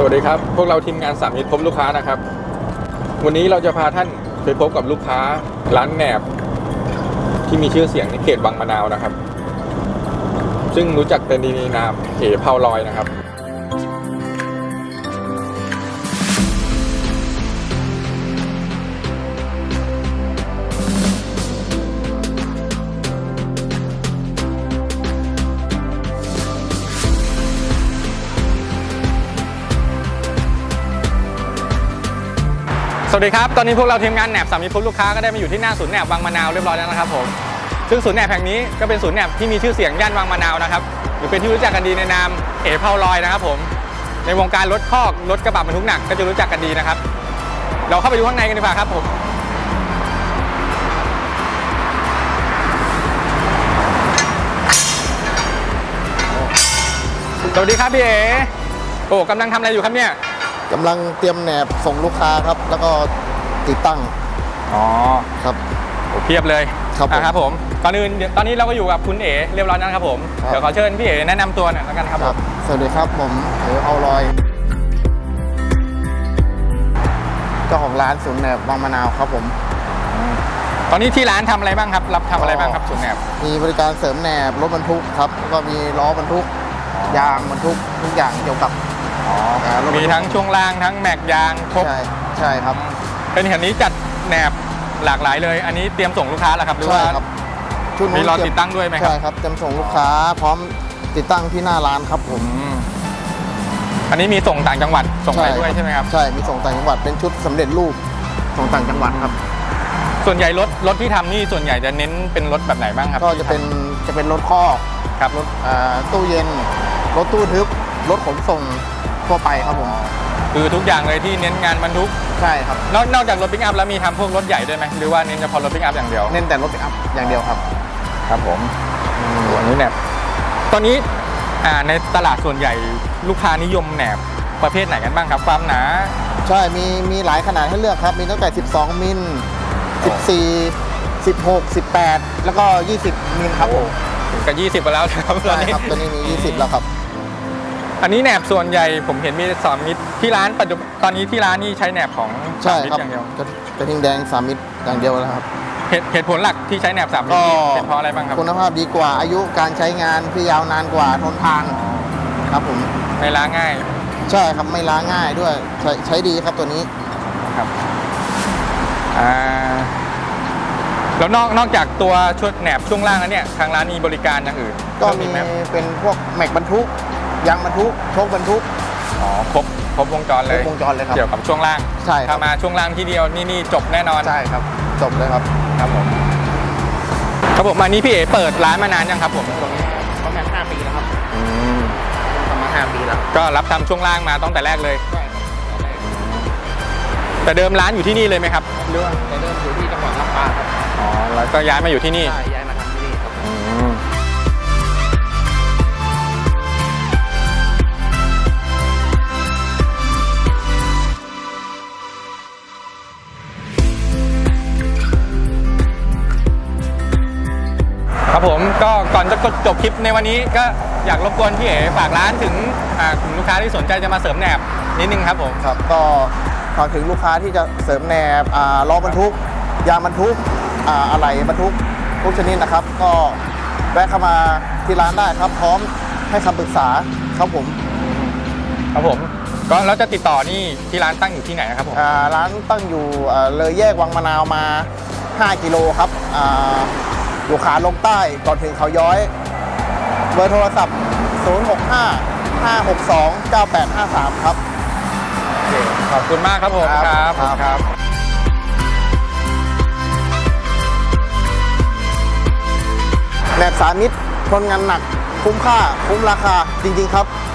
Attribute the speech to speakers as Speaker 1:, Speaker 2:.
Speaker 1: วัสดีครับพวกเราทีมงานสามมิตรพบลูกค้านะครับวันนี้เราจะพาท่านไปพบกับลูกค้าร้านแหนบที่มีชื่อเสียงในเขตบางมะนาวนะครับซึ่งรู้จักเป็นดีนามเอ๋เผาลอยนะครับสวัสดีครับตอนนี้พวกเราทีมงานแหนบสามีพบลูกค้าก็ได้มาอยู่ที่หน้าศูนย์แหนบบางมะนาวเรียบร้อยแล้วนะครับผมซึ่งศูนย์แหนบแห่งนี้ก็เป็นศูนย์แหนบที่มีชื่อเสียงย่านบางมะนาวนะครับหรือเป็นที่รู้จักกันดีในนามเอ๋เผาลอยนะครับผมในวงการรถคอกรถกระบะบรรทุกหนักก็จะรู้จักกันดีนะครับเราเข้าไปดูข้างในกันดีกว่าครับผมสวัสดีครับพี่เอ๋โอ้กำลังทำอะไรอยู่ครับเนี่ย
Speaker 2: กำลังเตรียมแหนบส่งลูกค้าครับแล้วก็ติดตั้ง
Speaker 1: อ๋อ
Speaker 2: ครับ
Speaker 1: โอ้เพียบเลยครับผมก่อนอื่นตอนนี้เราก็อยู่กับคุณเอ๋เรียบร้อยแล้วนะครับผมเดี๋ยวขอเชิญพี่เอ๋แนะนำตัวหน่อยแล้วกันครับผม
Speaker 2: สวัสดีครับผมเอ๋เผาลอยเจ้าของร้านศูนย์แหนบบางมะนาวครับผม
Speaker 1: ตอนนี้ที่ร้านทำอะไรบ้างครับรับทำอะไรบ้างครับศูนย์แหนบ
Speaker 2: มีบริการเสริมแหนบรถบรรทุกครับแล้วก็มีล้อบรรทุกยางบรรทุกทุกอย่างเกี่ยวกับ
Speaker 1: มีทั้งช่วงล่างทั้งแม็กยางครบ
Speaker 2: ใช่ครับ
Speaker 1: เป็นเห็นนี้จัดแหนบหลากหลายเลยอันนี้เตรียมส่งลูกค้าแล้วครับหรือว่ามีรอติดตั้งด้วยไหมครับ
Speaker 2: ใช่ครับเตรียมส่งลูกค้าพร้อมติดตั้งที่หน้าร้านครับผม
Speaker 1: อันนี้มีส่งต่างจังหวัดส่งไปด้วยใช่ไหมครับ
Speaker 2: ใช่มีส่งต่างจังหวัดเป็นชุดสำเร็จรูปส่งต่างจังหวัดครับ
Speaker 1: ส่วนใหญ่รถที่ทำนี่ส่วนใหญ่จะเน้นเป็นรถแบบไหนบ้างครับ
Speaker 2: ก็จะเป็นรถคอก
Speaker 1: ครับ
Speaker 2: รถตู้เย็นรถตู้ทึบรถขนส่งทั่วไปครับผม
Speaker 1: คือทุกอย่างเลยที่เน้นงานบรรทุก
Speaker 2: ใช่ครับ
Speaker 1: นอกจากรถปิกอัพแล้วมีทำพวกรถใหญ่ด้วยไหมหรือว่าเน้นเฉพาะรถปิกอัพอย่างเดียว
Speaker 2: เน้นแต่รถปิกอัพอย่างเดียวครับ
Speaker 1: ครับผมอันนี้แหนบตอนนี้ในตลาดส่วนใหญ่ลูกค้านิยมแหนบประเภทไหนกันบ้างครับความหนา
Speaker 2: ใช่มีหลายขนาดให้เลือกครับมีตั้งแต่12มิล14 16 18แล้วก็20มิลครับผม
Speaker 1: กับ20ไปแล้วครับ
Speaker 2: ตอนนี้มี20แล้วครับ
Speaker 1: อันนี้แหนบส่วนใหญ่ผมเห็นมี3มิตรที่ร้านปัจจุบันตอนนี้ที่ร้านนี่ใช้แหนบของ3มิตรอย่างเดียว
Speaker 2: กระทิงแดง3มิตรอย่างเดียวแล้วครับ
Speaker 1: เหตุผลหลักที่ใช้แหนบ3มิตรเป็นเพราะอะไรบ้างครับ
Speaker 2: คุณภาพดีกว่าอายุการใช้งานที่ยาวนานกว่าทนทานครับผม
Speaker 1: ไม่ล้าง่าย
Speaker 2: ใช่ครับไม่ล้าง่ายด้วยใช้ดีครับตัวนี้
Speaker 1: ครับแล้วนอกจากตัวชุดแหนบช่วงล่างแล้วเนี่ยทางร้านมีบริการอย่างอื่น
Speaker 2: ก็มีเป็นพวกแม็กบรรทุกยางบรรทุกโชคบรรทุก
Speaker 1: ครบวงจรเลย
Speaker 2: ครับ
Speaker 1: เกี่ยวกับช่วงล่าง
Speaker 2: ใช่
Speaker 1: ถ้ามาช่วงล่างที่เดียวนี่จบแน่นอน
Speaker 2: ใช่ครับจบเลยครับ
Speaker 1: ครับผมมานี้พี่เอ๋เปิดร้านมานานยังครับผม
Speaker 2: ประมาณ5 ปีแล้วครับประมาณ5 ปีแล้ว
Speaker 1: ก็รับทำช่วงล่างมาตั้งแต่แรกเลยแต่เดิมร้านอยู่ที่นี่เลยไหมครับ
Speaker 2: เรื่องแต่เดิมอยู่ที่จังหวัดลำปางครับ
Speaker 1: แล้วก็ย้ายมาอยู่ที่นี่
Speaker 2: ใช่ย้ายมาทำที่นี่ครับ
Speaker 1: ครับผมก็ก่อนจะจบคลิปในวันนี้ก็อยากรบกวนพี่เอ๋ฝากร้านถึงกลุ่มลูกค้าที่สนใจจะมาเสริมแหนบนิดนึงครับผม
Speaker 2: ครับก็ฝากถึงลูกค้าที่จะเสริมแหนบล้อบรรทุกยางบรรทุกอะไหล่บรรทุกทุกชนิดนะครับก็แวะเข้ามาที่ร้านได้ครับพร้อมให้คำปรึกษาครับผม
Speaker 1: ก็แล้วจะติดต่อนี่ที่ร้านตั้งอยู่ที่ไหนครับผม
Speaker 2: ร้านตั้งอยู่เลยแยกวังมะนาวมา5 กิโลครับอยู่ขาลงใต้ก่อนถึงเขาย้อยเบอร์โทรศัพท์065 562 9853ครับ
Speaker 1: ขอบคุณมากครับผมครับ
Speaker 2: แหนบ3มิตรทนงานหนักคุ้มค่าคุ้มราคาจริงๆครับ